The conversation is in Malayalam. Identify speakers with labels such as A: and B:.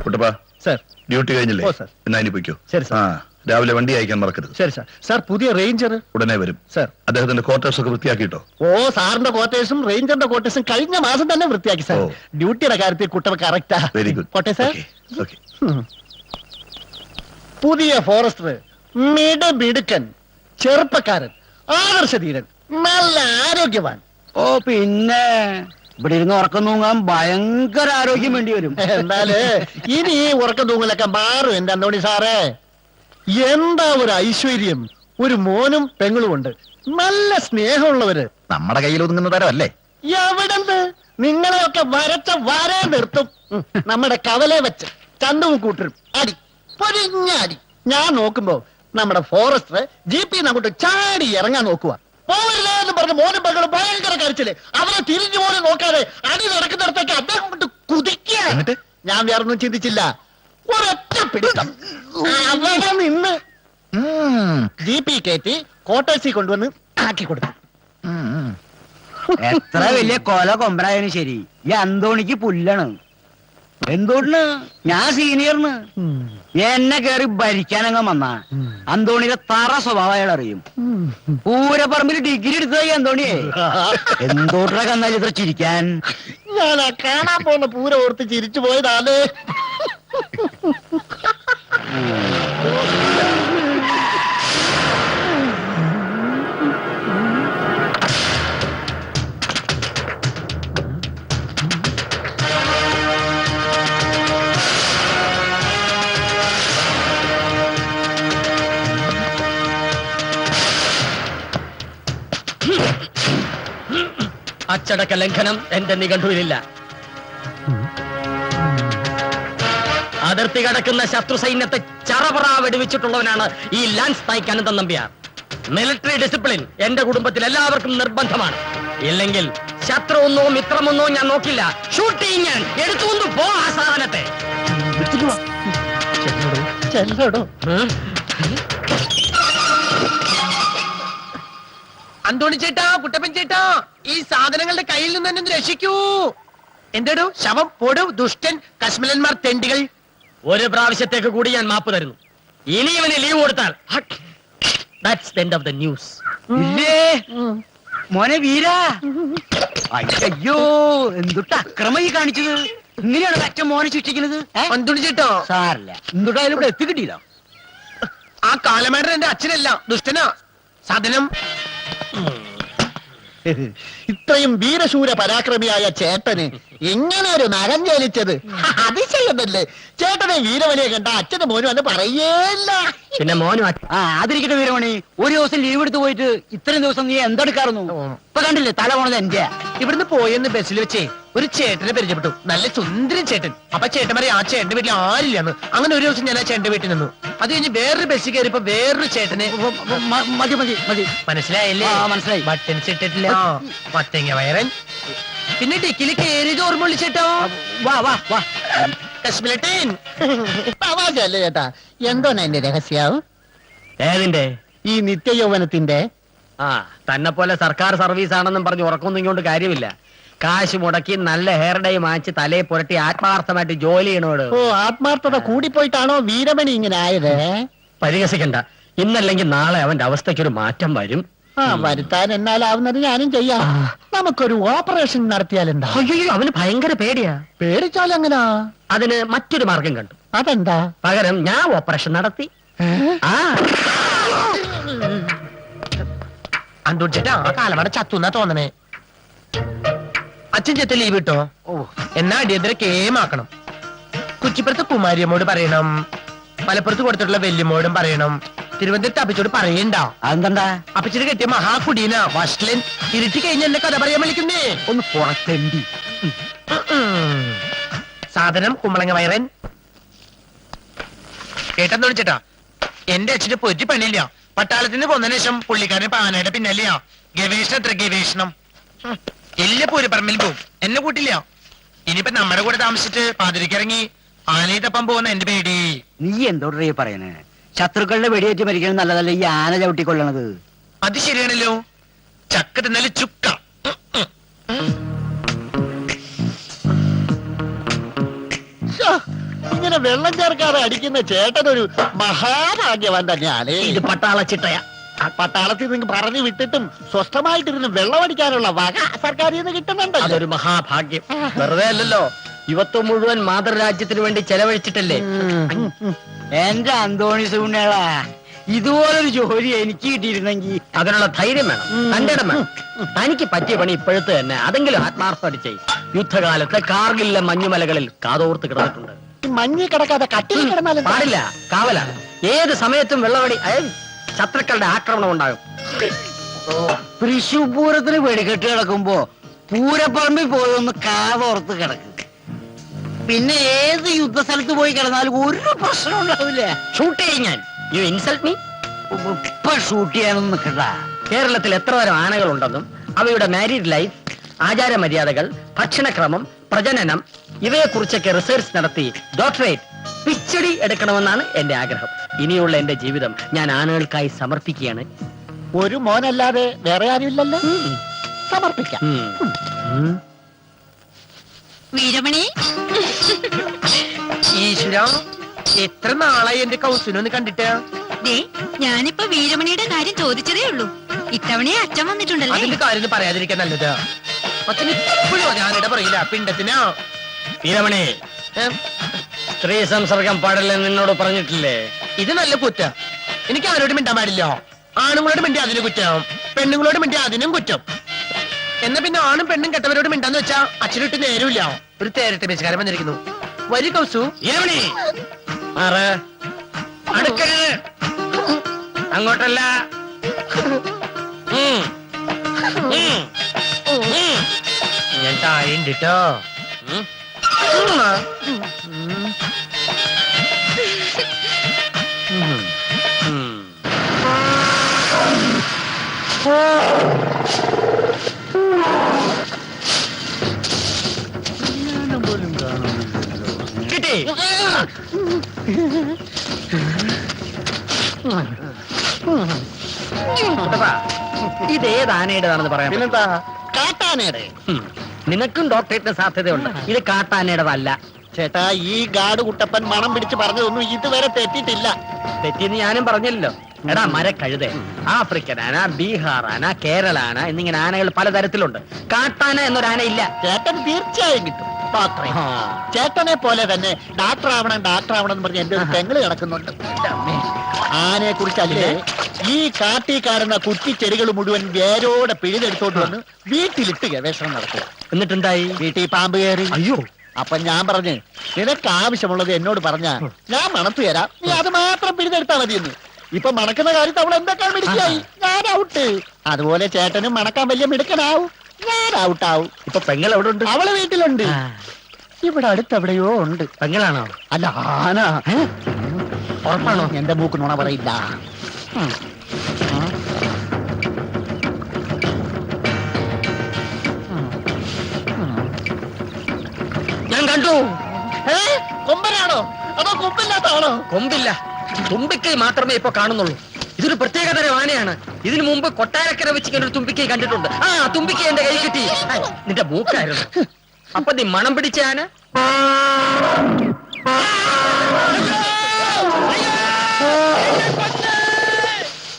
A: കുട്ടപ്പാ
B: സർ.
A: ഡ്യൂട്ടി കഴിഞ്ഞില്ലേ?
B: ഓ, സർ.
A: എന്നാ ഇനി പൊയ്ക്കോ.
B: ശരി, സർ.
A: ആ രാവിലെ വണ്ടി അയക്കാൻ മറക്കരുത്.
B: ശരി സാർ. സാർ പുതിയ റേഞ്ചർ
A: ഉടനെ വരും.
B: സർ.
A: അദ്ദേഹത്തിന്റെ ക്വാർട്ടേഴ്സ് ഒക്കെ വൃത്തിയാക്കിട്ടോ?
B: ഓ, സാറിന്റെ ക്വാർട്ടേഴ്സും റേഞ്ചറിന്റെ ക്വാർട്ടേഴ്സും കഴിഞ്ഞ മാസം തന്നെ വൃത്തിയാക്കി സാർ.
A: ഓ.
B: ഡ്യൂട്ടിയുടെ കാര്യത്തിൽ കുട്ടപ്പ കറക്റ്റാ.
A: Very good.
B: കോട്ടെ സാർ.
A: ഓക്കെ.
B: പുതിയ ഫോറസ്റ്റർ, മിടുക്കൻ, ചെറുപ്പക്കാരൻ, ആദർശധീരൻ, നല്ല ആരോഗ്യവാൻ.
C: ഓ പിന്നെ ഇവിടെ ഇരുന്ന് ഉറക്കം തൂങ്ങാൻ ഭയങ്കര ആരോഗ്യം വേണ്ടി വരും.
B: എന്നാല് ഇനി ഈ ഉറക്കം തൂങ്ങലൊക്കെ മാറും എന്റെ അന്തോണി സാറേ. എന്താ ഒരു ഐശ്വര്യം, ഒരു മോനും പെങ്ങളും ഉണ്ട്, നല്ല സ്നേഹമുള്ളവര്.
A: നമ്മുടെ കയ്യിൽ ഒതുങ്ങുന്ന തരമല്ലേ?
B: എവിടെന്ത്, നിങ്ങളെയൊക്കെ വരച്ച വരെ നിർത്തും. നമ്മുടെ കവലെ വെച്ച് ചന്തവും കൂട്ടരും അടി, പൊരിഞ്ഞ അടി. ഞാൻ നോക്കുമ്പോ നമ്മുടെ ഫോറസ്റ്റർ ജീപ്പിന്ന് അങ്ങോട്ട് ചാടി ഇറങ്ങാൻ നോക്കുക. പോവരുതേ എന്ന് പറഞ്ഞ് മോനും പെങ്ങളും ഭയങ്കര കരച്ചില്. അവരെ തിരിഞ്ഞു പോലും നോക്കാതെ അടി നടക്കുന്നിടത്തേക്ക് അദ്ദേഹം കൊണ്ട് കുതിക്കുക. ഞാൻ വേറൊന്നും ചിന്തിച്ചില്ല, ഒരൊറ്റ പിടുത്തം. അവിടെ നിന്ന് ജീപ്പി കയറ്റി ക്വാർട്ടേഴ്സിൽ കൊണ്ടുവന്ന് ആക്കി കൊടുത്തു.
C: എത്ര വലിയ കൊല കൊമ്പനായാലും ശരി, ഈ അന്തോണിക്ക് പുല്ലാണ്. എന്തോട്ടിന് ഞാൻ സീനിയറിന് എന്നെ കേറി ഭരിക്കാനങ്ങ് വന്ന അന്തോണിയുടെ തറ സ്വഭാവം അയാൾ അറിയും. പൂരപ്പറമ്പിൽ ഡിഗ്രി എടുത്തതായി അന്തോണിയെ. എന്തോട്ടിനെ കന്നാൽ ഇത്ര ചിരിക്കാൻ?
B: ഞാൻ ആ കാണാൻ പോകുന്ന പൂര ഓർത്ത് ചിരിച്ചു പോയതാണ്.
D: അച്ചടക്ക ലംഘനം എന്റെ നിഘണ്ടുവിലില്ല. അതിർത്തി കടക്കുന്ന ശത്രു സൈന്യത്തെ ചറപറ വെടിവെച്ചിട്ടുള്ളവനാണ് ഈ lance Naik Ananthan Nambiar. Military discipline എന്റെ കുടുംബത്തിൽ എല്ലാവർക്കും നിർബന്ധമാണ്. ഇല്ലെങ്കിൽ ശത്രുവെന്നോ മിത്രമെന്നോ ഞാൻ നോക്കില്ല, ഷൂട്ട് ചെയ്യും ഞാൻ. എടുത്തുകൊണ്ട് പോ ആ സാധനത്തെ.
E: അന്തോണി ചേട്ടാ, കുട്ടപ്പൻ ചേട്ടാ, ഈ സാധനങ്ങളുടെ കയ്യിൽ നിന്ന് തന്നെ ഒന്ന് രക്ഷിക്കൂ. എന്താടോ ശവം, പൊടു, ദുഷ്ടൻ, കശ്മലന്മാർ, തെണ്ടികൾ.
D: ഒരു പ്രാവശ്യത്തേക്ക് കൂടി ഞാൻ മാപ്പ് തരുന്നു. ഇനി ഇവന് ലീവ് കൊടുത്താൽ that's the end of the news.
C: ഇല്ലേ മോനെ വീരാ, അയ്യോ എന്തുട്ട് അക്രമം ഈ കാണിച്ചത്. ഇങ്ങനെയാണ് അച്ഛൻ മോനെ ശിക്ഷിക്കുന്നത്?
E: അന്തോണി ചേട്ടാ,
C: സാറില്ല, എന്തുട്ടായാലും ഇവിടെ എത്തിക്കിട്ടില്ല.
E: ആ കാലമേടൻ എന്റെ അച്ഛനല്ല, ദുഷ്ടനാ. സാധനം
B: ഇത്രയും വീരശൂര പരാക്രമിയായ ചേട്ടന് എങ്ങനെ ഒരു നഖം ജനിച്ചത്? അതിശയമല്ലേ. ചേട്ടനെ വീരവനെ കണ്ട അച്ഛന്റെ മോനും എന്ന് പറയേല്ല.
D: പിന്നെ മോനും
C: ആ അതിരിക്കട്ടെ വീരമണി, ഒരു ദിവസം ലീവ് എടുത്ത് പോയിട്ട് ഇത്രയും ദിവസം നീ എന്തെടുക്കാറുന്നു? ഇപ്പൊ കണ്ടില്ലേ തല പോണത് എന്റെ.
E: ഇവിടുന്ന് പോയെന്ന് ബസ്സിൽ വെച്ചേ ഒരു ചേട്ടനെ പരിചയപ്പെട്ടു, നല്ല സുന്ദരൻ ചേട്ടൻ. അപ്പൊ ചേട്ടൻ പറയും ആ ചേട്ടന്റെ വീട്ടിൽ ആരില്ലെന്ന്. അങ്ങനെ ഒരു ദിവസം ഞാൻ ആ ചേട്ടന്റെ വീട്ടിൽ നിന്നു. അത് കഴിഞ്ഞ് വേറൊരു ബസ്സിൽ കയറിയപ്പോ വേറൊരു ചേട്ടനെ.
C: മതി മതി മതി,
E: മനസ്സിലായില്ലേ?
C: മനസ്സിലായി.
E: ബട്ടൻസ് ഇട്ടിട്ടില്ല, മത്തങ്ങ വയറൻ. പിന്നെ ഡിക്കിൽ കയറിയത് ഓർമ്മ വിളിച്ചേട്ടോ.
C: വാ വാ വാ.
E: കശ്മീരട്ടൻ
B: തമാശല്ലേ ചേട്ടാ? എന്തോന്നാ എന്റെ രഹസ്യാവും?
D: ഏതിന്റെ?
B: ഈ നിത്യയൗവനത്തിന്റെ.
D: ആ തന്നെ പോലെ സർക്കാർ സർവീസ് ആണെന്നും പറഞ്ഞ് ഉറക്കൊന്നും ഇങ്ങോട്ട് കാര്യമില്ല. കാശ് മുടക്കി നല്ല ഹെയർ ഡൈ മാച്ച് തലയെ പുരട്ടി ആത്മാർത്ഥമായിട്ട് ജോലി ചെയ്യണോട്.
B: ഓ, ആത്മാർത്ഥത കൂടിപ്പോയിട്ടാണോ വീരമണി ഇങ്ങനെ ആയത്?
D: പരിഹസിക്കണ്ട. ഇന്നല്ലെങ്കിൽ നാളെ അവന്റെ അവസ്ഥയ്ക്കൊരു മാറ്റം വരും.
B: ആ വരുത്താൻ എന്നാലാവുന്നത് ഞാനും ചെയ്യാം. നമുക്കൊരു ഓപ്പറേഷൻ നടത്തിയാലെന്താ?
D: അയ്യോ, അവന് ഭയങ്കര പേടിയാ.
B: പേടിച്ചാലെങ്ങനാ?
D: അതിന് മറ്റൊരു മാർഗം കണ്ടു.
B: അതെന്താ?
D: പകരം ഞാൻ ഓപ്പറേഷൻ നടത്തി. ആ
E: അന്തോണി ചേട്ടാ, ആ കാലമട ചത്തുന്നാ തോന്നണേ. അച്ഛൻ ചേട്ടൻ ലീവ് കിട്ടോ? എന്നാ അടിയന്തര കേമാക്കണം. കുച്ചിപ്പുറത്ത് കുമാരിയമ്മോട് പറയണം, മലപ്പുറത്ത് കൊടുത്തിട്ടുള്ള വെല്ലുമോടും പറയണം, തിരുവനന്തപുരത്ത് അപ്പച്ചോട് പറയണ്ട.
C: അതെന്താ?
E: അപ്പച്ചിട്ട് കെട്ടിയ മഹാകുടീന വഷളൻ. ഇരുട്ടി കഴിഞ്ഞ എന്നെ കഥ പറയാൻ വിളിക്കുന്നേ.
C: ഒന്ന് പുറത്തെണ്ടി.
E: സാധനം കുമ്പളങ്ങ വയറൻ. കേട്ടെന്നോട് ചേട്ടാ, എന്റെ അച്ഛന് പൊറ്റി പണിയില്ല. പട്ടാളത്തിന് പോന്നതിന് ശേഷം പുള്ളിക്കാരൻ പാനയുടെ പിന്നല്ലയാ. ഗവേഷണത്ര ഗവേഷണം. എല്ലാ പൂരപ്പറമ്പിൽ പോവും, എന്നെ കൂട്ടില്ല. ഇനിയിപ്പോ നമ്മുടെ കൂടെ താമസിച്ചിട്ട് പാതിരിക്കിറങ്ങി ആനയെ തപ്പാൻ പോകുന്ന എന്റെ പേടി.
C: നീ എന്തോടേ പറയണേ? ശത്രുക്കളുടെ വെടിയേറ്റ് മരിക്കണം നല്ലതല്ല ഈ ആന ചവിട്ടിക്കൊള്ളണത്.
E: അത് ശരിയാണല്ലോ. ചക്ക തിന്നാല് ചുക്ക.
B: ഇങ്ങനെ വെള്ളം ചേർക്കാതെ അടിക്കുന്ന ചേട്ടനൊരു മഹാഭാഗ്യവാൻ തന്നെയാണ്.
D: ഇത് പട്ടാള ചിട്ടയാ.
B: പട്ടാളത്തിൽ നിന്ന് പറഞ്ഞു വിട്ടിട്ടും സ്വസ്ഥമായിട്ടിരുന്ന് വെള്ളമടിക്കാനുള്ള വക സർക്കാരിൽ നിന്ന് കിട്ടുന്നുണ്ടല്ലോ.
D: അതൊരു മഹാഭാഗ്യം. വെറുതെ അല്ലല്ലോ, യുവത്വം മുഴുവൻ മാതൃരാജ്യത്തിന് വേണ്ടി ചെലവഴിച്ചിട്ടല്ലേ.
C: എന്റെ അന്തോണി സുണ്ണേളാ, ഇതുപോലൊരു ജോലി എനിക്ക് കിട്ടിയിരുന്നെങ്കിൽ.
D: അതിനുള്ള ധൈര്യം വേണം, തന്റെ ഇടം വേണം. തനിക്ക് പറ്റിയ പണി ഇപ്പോഴത്തെ തന്നെ അതെങ്കിലും ആത്മാർത്ഥമായിട്ട് ചെയ്യും. യുദ്ധകാലത്ത് കാർഗിലിലെ മഞ്ഞുമലകളിൽ കാതോർത്ത് കിടന്നിട്ടുണ്ട്.
B: മഞ്ഞ് കിടക്കാതെ കട്ടിൽ കിടന്നാലും
D: പാടില്ല, കാവലാണ്. ഏത് സമയത്തും വെള്ളവടി ശത്രുക്കളുടെ ആക്രമണം ഉണ്ടാകും.
C: തൃശൂർ പൂരത്തിന് വെടിക്കെട്ട് കിടക്കുമ്പോ പൂരപ്പറമ്പിൽ പോയി ഒന്ന് കാതോർത്ത് കിടക്കും. പിന്നെ ഏത് യുദ്ധസ്ഥലത്ത് പോയി കിടന്നാലും ഒരു പ്രശ്നം ഉണ്ടാവില്ല.
D: ഷൂട്ട് ചെയ്യും ഞാൻ. You insult me.
C: ഇപ്പൊ ഷൂട്ട് ചെയ്യാനൊന്നും നിൽക്കണ്ട.
D: കേരളത്തിൽ എത്ര തരം ആനകളുണ്ടെന്നും അവയുടെ മാരീഡ് ലൈഫ്, ആചാരമര്യാദകൾ, ഭക്ഷണക്രമം, പ്രജനനം ഇവയെക്കുറിച്ചൊക്കെ റിസർച്ച് നടത്തി ഡോക്ടറേറ്റ് പിച്ചടി എടുക്കണമെന്നാണ് എന്റെ ആഗ്രഹം. ഇനിയുള്ള എന്റെ ജീവിതം ഞാൻ ആനകൾക്കായി സമർപ്പിക്കുകയാണ്.
B: ഒരു മോനല്ലാതെ വേറെ ആരുമില്ലല്ലോ. സമർപ്പിക്കാം.
F: വീരമണി,
E: ഈശ്വര, എത്ര നാളായി എന്റെ കൗസുനൊന്ന് കണ്ടിട്ട്.
F: ദേ ഞാനിപ്പോ വീരമണിയുടെ കാര്യം ചോദിച്ചതേ ഉള്ളൂ. ഇത്തവണയെ അച്ഛൻ വന്നിട്ടുണ്ടല്ലേ?
E: അതിന്റെ കാര്യം പറയാതിരിക്കാൻ നല്ലത്. അച്ഛൻ ഇപ്പോഴും ഞാനിട പറയില്ല, പിണ്ടത്തിനാ.
D: വീരമണി, സ്ത്രീ സംസർഗം പാടില്ലെന്ന് നിന്നോട് പറഞ്ഞിട്ടില്ലേ?
E: ഇത് നല്ല കുറ്റ. എനിക്ക് ആരോടും മിണ്ടാൻ പാടില്ല. ആണുങ്ങളോട് മിണ്ടി അതിന് കുറ്റം, പെണ്ണുങ്ങളോട് മിണ്ടി അതിനും കുറ്റം. എന്നാ പിന്നെ ആണും പെണ്ണും കെട്ടവരോട് മിണ്ടാന്ന് വെച്ചാ അച്ഛനിട്ട് നേരമില്ല. ഒരു തേരട്ടെ ബേച്ചുകാരൻ വന്നിരിക്കുന്നു. വരി കൗസു.
D: വീരമണി, മാറ്. അടുക്കരുത്, അങ്ങോട്ടല്ല.
E: ഞാൻ താഴെയുണ്ട് ട്ടോ.
D: കിട്ടി. ഇത് ഏത് ആനയുടേതാണെന്ന് പറയാൻ പറ്റുമോ?
B: പിന്നെന്താ, കാട്ടാനയുടെ.
D: നിനക്കും ഡോക്ടറേറ്റിന് സാധ്യതയുണ്ട്. ഇത് കാട്ടാനയുടേതല്ല.
B: ചേട്ടാ, ഈ ഗാഡ് കുട്ടപ്പൻ മണം പിടിച്ച് പറഞ്ഞതൊന്നും ഇതുവരെ തെറ്റിട്ടില്ല.
D: തെറ്റിന്ന് ഞാനും പറഞ്ഞല്ലോ. എടാ മരക്കഴുത, ആഫ്രിക്കൻ ആന, ബീഹാർ ആന, കേരള ആന എന്നിങ്ങനെ ആനകൾ പലതരത്തിലുണ്ട്. കാട്ടാന എന്നൊരാന ഇല്ല.
B: ചേട്ടൻ തീർച്ചയായും കിട്ടും ഡോക്ടറെ. ചേട്ടനെ പോലെ തന്നെ ഡാക്ടർ ആവണം എന്ന് പറഞ്ഞ് എന്റെ ഒരു പെങ്ങള് കിടക്കുന്നുണ്ട്. ആനയെ കുറിച്ചല്ലേ ഈ കാട്ടി കാണുന്ന കുറ്റിച്ചെടികൾ മുഴുവൻ വേരോടെ പിഴുതെടുത്തോണ്ട് വന്ന് വീട്ടിലിട്ട് ഗവേഷണം നടത്തുക.
D: എന്നിട്ടെന്തായി?
B: വീട്ടിൽ പാമ്പ് കയറി.
D: അയ്യോ,
B: അപ്പൊ ഞാൻ പറഞ്ഞു, നിനക്ക് ആവശ്യമുള്ളത് എന്നോട് പറഞ്ഞാ ഞാൻ മണത്തു തരാം, നീ അത് മാത്രം പിഴുതെടുത്താ മതിയെന്ന്. ഇപ്പൊ മണക്കുന്ന കാര്യത്ത് അവൾ എന്തൊക്കെ മിടുക്കിയായി. ഞാൻ ഔട്ട്. അതുപോലെ ചേട്ടനും മണക്കാൻ വലിയ മിടുക്കനാവും, ഞാൻ ഔട്ടാവും.
D: ഇപ്പൊ പെങ്ങൾ എവിടെ ഉണ്ട്?
B: അവള് വീട്ടിലുണ്ട്. ഇവിടെ അടുത്തെവിടെയോ ഉണ്ട്.
D: പെങ്ങളാണോ?
B: അല്ല, ആന.
D: ഉറപ്പാണോ?
B: എന്റെ മൂക്ക് നുണ പറയില്ല.
D: ഞാൻ കണ്ടു.
B: കൊമ്പനാണോ അതോ കൊമ്പില്ലാത്ത ആണോ?
D: കൊമ്പില്ല, തുമ്പിക്കൈ മാത്രമേ ഇപ്പൊ കാണുന്നുള്ളൂ. ഇതൊരു പ്രത്യേക തരം ആനയാണ്. ഇതിനു മുമ്പ് കൊട്ടാരക്കര വെച്ച് ഇങ്ങനെ ഒരു തുമ്പിക്കൈ കണ്ടിട്ടുണ്ട്. ആ തുമ്പിക്കൈ എന്റെ കൈ കിട്ടി. നിന്റെ മൂക്കായിരുന്നു. അപ്പൊ നീ മണം പിടിച്ച ആന